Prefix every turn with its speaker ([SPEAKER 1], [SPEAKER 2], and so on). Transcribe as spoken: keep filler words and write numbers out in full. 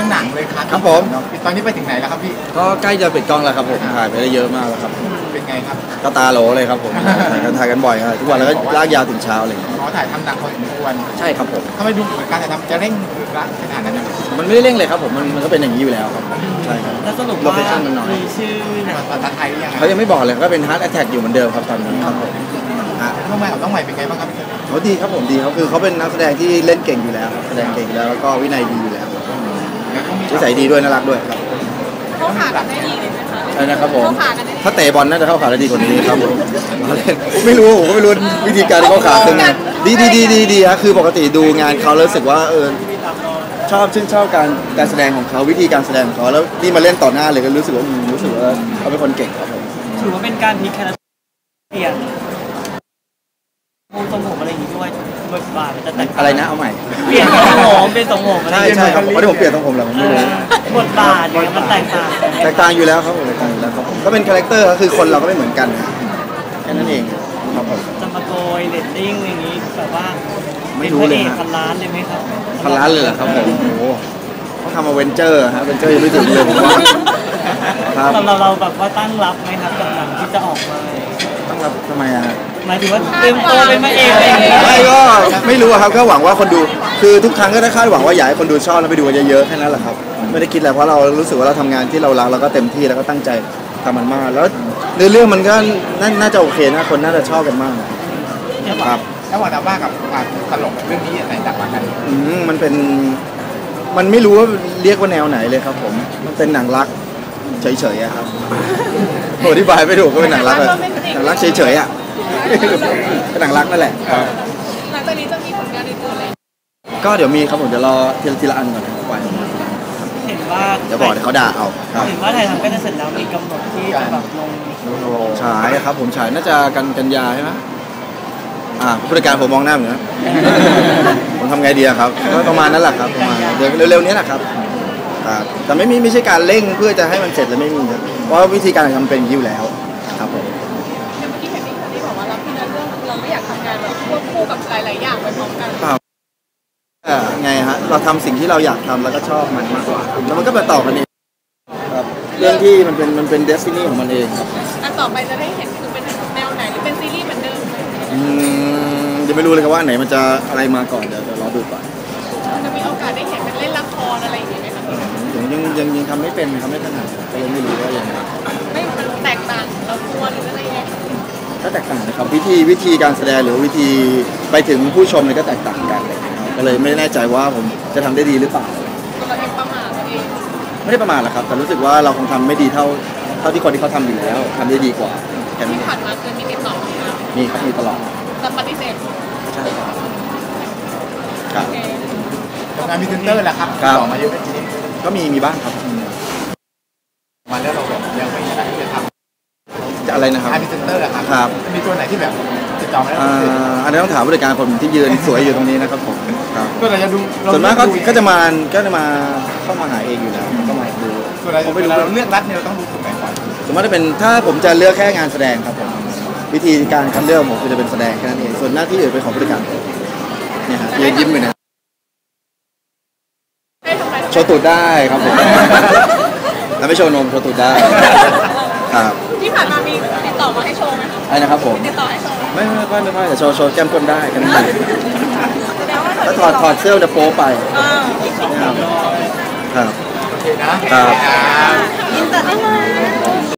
[SPEAKER 1] ำหนังเลยครับ
[SPEAKER 2] ครับผม
[SPEAKER 1] ตอนนี้ไปถึงไหนแล้วครับพี่
[SPEAKER 2] ก็ใกล้จะปิดกล้องแล้วครับผมถ่ายไปได้เยอะมากแล้วครับ
[SPEAKER 1] เป็นไงครับ
[SPEAKER 2] ก็ตาโหลเลยครับผมถ่ายกันถ่ายกันบ่อยครับทุกวันแล้วก็ลากยาวถึงเช้าเลย
[SPEAKER 1] ขอถ่ายทำหนังพอสมควร
[SPEAKER 2] ใช่ครับผม
[SPEAKER 1] ถ้าไม่ดูเหมือนการถ่ายทำจะเร่งขนาดนั้น
[SPEAKER 2] มันไม่ได้เร่งเลยครับผมมันมันก็เป็นอย่างนี้อยู่แล้วครับใช่ครับ
[SPEAKER 3] แล้วสรุปว่ามีชื่อ
[SPEAKER 1] ภาษาไทยยังไง
[SPEAKER 2] เขายังไม่บอกเลยก็เป็น Heart Attack อยู่เหมือนเดิมครับตอนนี้ครับผม
[SPEAKER 1] น้องใหม่น้องใหม่เป็นไงบ้างครับ
[SPEAKER 2] เขาดีครับผมดีเขาคือเขาเป็นนักแสดงที่เล่นเก่งอยู่แล้วแสดงเก่งแล้วแล้วก็วินัยดีอยู่แล้วนิสัยดีด้วยน่ารักด้วยครับ
[SPEAKER 4] เขาขากันได้ดีเลยไหมคะ
[SPEAKER 2] ใช่นะครับผมถ้าเตะบอลน่าจะเข้าขาได้ดีกว่านี้ครับผมไม่รู้ผมไม่รู้วิธีการที่เขาขาเป็นไงดีดีดีดีดีครับคือปกติดูงานเขาแล้วรู้สึกว่าเออชอบชื่นชอบการการแสดงของเขาวิธีการแสดงของเขาแล้วนี่มาเล่นต่อหน้าเลยก็รู้สึกว่ารู้สึกว่าเขาเป็นคนเก่งครับผม
[SPEAKER 3] ถือว่าเป็นการพลิกแคราเปลี่ยนมุมทรงผมอะไรอย่างนี้ด้วยบทบาทมันจะแตก
[SPEAKER 2] อะไรนะเอาใหม่
[SPEAKER 3] เปลี่ยนทรงผมเป็นทรงผม
[SPEAKER 2] ใช่ใช่ครับเพราะที่ผมเปลี่ยนทรงผมแล้วผมไม่รู้
[SPEAKER 3] บทบาทเนี่ยมันแตกต่าง
[SPEAKER 2] แตกต่างอยู่แล้วครับผมแตกต่างอยู่แล้วครับผมก็เป็นคาแรคเตอร์ก็คือคนเราก็ไม่เหมือนกันแค่นั้นเองครับผม
[SPEAKER 3] จะมาโกยเรตติ้งอย่างนี้แบบว่า
[SPEAKER 2] ไม่รู้เลย
[SPEAKER 3] นะพันล้านเลยไหมครับ
[SPEAKER 2] พันล้านเลยเหรอครับผมโอ้โหเขาทำมาเวนเจอร์ฮะเวนเจอร์ยังไม่ถึงเลยผมว่า
[SPEAKER 3] ครับเราเราแบบว่าตั้งรับไหมครับกับหนังที่จะออกมา
[SPEAKER 2] ตั้งรับทำไมอะ
[SPEAKER 3] หมายถึงว่าเต็มตัวเป็นมาเองอะไรอย่างเงี้ย
[SPEAKER 2] ไม่ก็ไม่รู้ครับก็หวังว่าคนดูคือทุกครั้งก็ได้คาดหวังว่าอยากให้คนดูชอบแล้วไปดูกันเยอะๆแค่นั้นแหละครับไม่ได้คิดอะไรเพราะเรารู้สึกว่าเราทำงานที่เรารักเราก็เต็มที่แล้วก็ตั้งใจทำมันมากแล้วในเรื่องมันก็น่าจะโอเคนะคนน่าจะชอบกันมาก
[SPEAKER 1] ครับแล้วว่าแต่ว่ากับตลกเรื่องนี้ไหนต่างกัน
[SPEAKER 2] อืมมันเป็นมันไม่รู้ว่าเรียกว่าแนวไหนเลยครับผมมันเป็นหนังรักเฉยๆครับโหอธิบายไม่ถูกก็เป็นหนังรักเลยหนังรักเฉยๆอ่ะเป็นหนังรักนั่นแหละ
[SPEAKER 4] หลังจากนี้จะมีผลงานอื่นๆอะไร
[SPEAKER 2] ก็เดี๋ยวมีครับผมเดี๋ยวรอทีละทีละอันก่อนนะไป
[SPEAKER 3] เห็นว่า
[SPEAKER 2] เดี๋ยวบอกเดี๋ยวเขาด่าเอา
[SPEAKER 3] เห็นว่าถ่ายทำก็จะเสร็จแล้วมีกำหนดที่จะแบบลง
[SPEAKER 2] ฉายครับผมฉายน่าจะกันกันยาใช่ไหมอ่าผู้จัดการผมมองหน้าเหมือนกันผมทำไงดีครับก็ประมาณนั้นแหละครับประมาณเดี๋ยวเร็วๆนี้แหละครับแต่ไม่มีไม่ใช่การเร่งเพื่อจะให้มันเสร็จแล้วไม่มีครับเพราะวิธีการทำเป็นยิ้วแล้วครับผม
[SPEAKER 4] เมื่อกี้เห็นพี่คนที่บอกว่าเราพี่นั้นเรื่องเราไม่อยากทำงานแบบควบคู่กับหลายๆอย่างไปพร้อมกัน
[SPEAKER 2] เปล่าไงฮะเราทำสิ่งที่เราอยากทำแล้วก็ชอบมันมากกว่าแล้วมันก็ไปต่อกันเองครับเรื่องที่มันเป็นมันเป็นเดสตินีของมันเองครับ
[SPEAKER 4] อันต่อไปจะได้เห็นคือเป็นแนวไหนหรือเป็นซีรีส์เหมือนเดิม
[SPEAKER 2] อืมจะไม่รู้เลยครับว่าไหนมันจะอะไรมาก่อนเดี๋ยวรอดูก่อน
[SPEAKER 4] จะมีโอกาสได้เห็นเป็นเล่นละครอะไรอย่างนี้ไหมครับ
[SPEAKER 2] ยังยังยังยังทำไม่เป็นทำไม่ถนัดก็ยังไม่รู้ว่าอย่างไร
[SPEAKER 4] ไม่มันแตกต่างเราตัวหรืออะไรยังไง
[SPEAKER 2] ก็แตกต่างนะครับวิธีวิธีการแสดงหรือวิธีไปถึงผู้ชมเนี่ยก็แตกต่างกันเลยก็เลยไม่แน่ใจว่าผมจะทำได้ดีหรือเปล่า
[SPEAKER 4] เราเองประมาทตัวเอง
[SPEAKER 2] ไม่ได้ประมาทหรอกครับแต่รู้สึกว่าเราคงทำไม่ดีเท่าเท่าที่คนที่เขาทำอยู่แล้วทำได้ดีกว่า
[SPEAKER 4] ที่ผ่านมาเคยมีติดต่อ
[SPEAKER 2] มีครับมีตลอด
[SPEAKER 4] แต่ปฏิเสธ
[SPEAKER 2] ใช่ครับครับ
[SPEAKER 1] งานมีเซนเตอร์แหละครับต่อมาเยอะไหมทีนี้
[SPEAKER 2] ก็มีมีบ้างครับ
[SPEAKER 1] มาแล้วเราแบบยังไม่ได้จะท
[SPEAKER 2] ำจะอะไรนะครับ
[SPEAKER 1] งานมีเซนเตอร์แหละครับ
[SPEAKER 2] ครับ
[SPEAKER 1] มีตัวไหนที่แบบติดต่อมาแล้ว
[SPEAKER 2] อันนี้ต้องถามบริการผมที่ยืนสวยอยู่ตรงนี้นะครับผม
[SPEAKER 1] ก็เราจะดู
[SPEAKER 2] ส่วนมากก็จะมาก็จะมาเข้ามาหาเองอยู่แล้วก็มาดู
[SPEAKER 1] ส่วนเราไม่รู้เราเลือกรัฐเนี่ยเราต้องดูถูกไหมก่อน
[SPEAKER 2] ส่วนมากจะเป็นถ้าผมจะเลือกแค่งานแสดงครับผมวิธีการคัดเลือกผมคือจะเป็นแสดงแค่นั้นเองส่วนหน้าที่อื่นเป็นของบริการเนี่ยฮะยืนยิ้มอยู่นะโชว์ตูดได้ครับผมแล้วไม่โชว์นมโชว์ตูดได้ครับ
[SPEAKER 4] ที่ผ่านมามีติดต่อมาให้โชว์ไหม
[SPEAKER 2] ไอ้นะครับผม
[SPEAKER 4] ติดต่อให้โชว์
[SPEAKER 2] ไม่ไม่ไม่ไม่แต่โชว์โชว์แก้มก้นได้กันได้แล้วถอดถอดเสื้อจะโป๊ไปครับ
[SPEAKER 1] โอเคนะครับ
[SPEAKER 2] อินเตอร์